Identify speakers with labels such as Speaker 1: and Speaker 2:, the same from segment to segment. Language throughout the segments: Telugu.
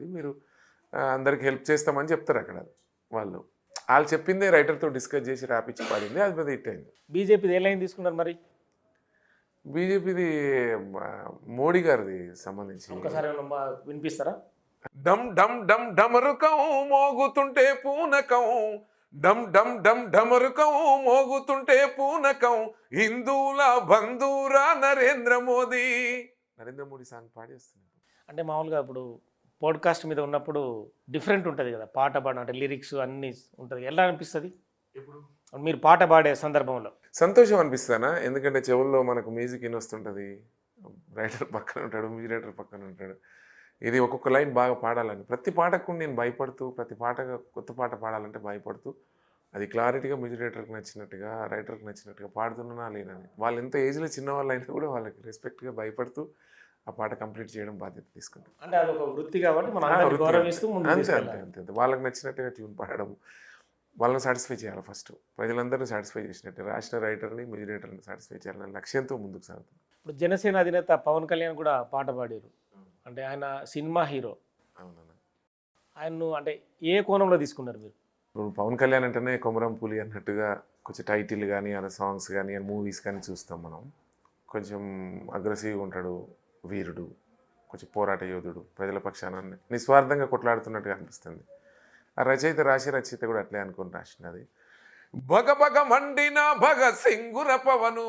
Speaker 1: మీరు అందరికి హెల్ప్ చేస్తామని చెప్తారు అక్కడ వాళ్ళు. వాళ్ళు చెప్పిందే రైటర్తో డిస్కస్ చేసి రాపిచ్చి పాడింది, అది పెద్ద హిట్ అయింది.
Speaker 2: బీజేపీది ఏ లైన్ తీసుకున్నారు మరి?
Speaker 1: బీజేపీది మోడీ గారిది సంబంధించి.
Speaker 2: ఒకసారి వినిపిస్తారా?
Speaker 1: డమ్ డమ్ డమ్ డమరుకం మోగుతుంటే పూనకం, డమ్ డమ్ డమ్ డమరుకం మోగుతుంటే పూనకం, హిందువుల బంధురా నరేంద్ర మోదీ. నరేంద్ర మోడీ సాంగ్ పాడి వస్తుంది.
Speaker 2: అంటే మామూలుగా ఇప్పుడు పాడ్కాస్ట్ మీద ఉన్నప్పుడు డిఫరెంట్ ఉంటుంది కదా, పాట పాడడం అంటే లిరిక్స్ అన్నీ ఉంటుంది, ఎలా అనిపిస్తుంది మీరు పాట పాడే సందర్భంలో?
Speaker 1: సంతోషం అనిపిస్తానా, ఎందుకంటే చెవుల్లో మనకు మ్యూజిక్ వస్తుంటుంది, రైటర్ పక్కన ఉంటాడు, మ్యూజిక్ రైటర్ పక్కన ఉంటాడు. ఇది ఒక్కొక్క లైన్ బాగా పాడాలని ప్రతి పాటకు నేను భయపడుతూ, ప్రతి పాట కొత్త పాట పాడాలంటే భయపడుతూ, అది క్లారిటీగా మ్యూజిక్ డైరెక్టర్కి నచ్చినట్టుగా, రైటర్కి నచ్చినట్టుగా పాడుతున్నా లేనని. వాళ్ళు ఎంత ఏజ్లో చిన్నవాళ్ళు అయినా కూడా వాళ్ళకి రెస్పెక్ట్గా భయపడుతూ ఆ పాట కంప్లీట్ చేయడం బాధ్యత తీసుకుంటాం.
Speaker 2: అంటే అది ఒక వృత్తి కాబట్టి మనం గౌరవిస్తూ
Speaker 1: అంతే అంతే అంతే వాళ్ళకి నచ్చినట్టుగా ట్యూన్ పాడడం, వాళ్ళని సాటిస్ఫై చేయాలి. ఫస్ట్ ప్రజలందరినీ సాటిస్ఫై చేసినట్టు రాసిన రైటర్ని, మ్యూజిక్ డైరెక్టర్ని సాటిస్ఫై చేయాలనే లక్ష్యంతో ముందుకు సాగుతుంది.
Speaker 2: ఇప్పుడు జనసేన అధినేత పవన్ కళ్యాణ్ కూడా పాట పాడారు, అంటే ఆయన సినిమా హీరో.
Speaker 1: అవునన్నా.
Speaker 2: ఆయన్ను అంటే ఏ కోణంలో తీసుకున్నారు మీరు?
Speaker 1: ఇప్పుడు పవన్ కళ్యాణ్ అంటేనే కొమరం పులి అన్నట్టుగా కొంచెం టైటిల్ కానీ, ఆ సాంగ్స్ కానీ, ఆ మూవీస్ కానీ చూస్తాం మనం. కొంచెం అగ్రెసివ్గా ఉంటాడు, వీరుడు, కొంచెం పోరాట యోధుడు, ప్రజల పక్షాన నిస్వార్థంగా కొట్లాడుతున్నట్టుగా అనిపిస్తుంది. ఆ రచయిత కూడా అట్లే అనుకుని రాసినది. భగ భగ మండిన భగత్ సింగుర పవను,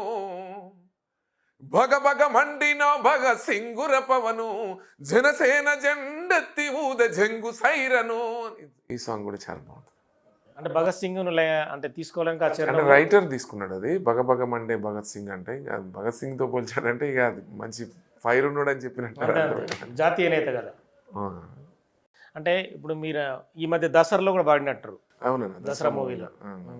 Speaker 1: భగ భగ మండిన భగత్ సింగుర పవను, జనసేన జెండెత్తి ఊద జంగు సైరను. ఈ సాంగ్ కూడా చాలా బాగుంటుంది.
Speaker 2: అంటే భగత్ సింగ్ అంటే తీసుకోవడానికి
Speaker 1: అంటే రైటర్ తీసుకున్నాడు అది. భగ భగ మండే భగత్ సింగ్ అంటే ఇక భగత్ సింగ్తో పోల్చాడంటే ఇక అది మంచి ఫైర్ ఉన్నాడు అని చెప్పినట్టు,
Speaker 2: జాతీయ నేత కదా. అంటే ఇప్పుడు మీరు ఈ మధ్య దసరాలో కూడా పాడినట్టు.
Speaker 1: అవునన్నా,
Speaker 2: దసరా మూవీలో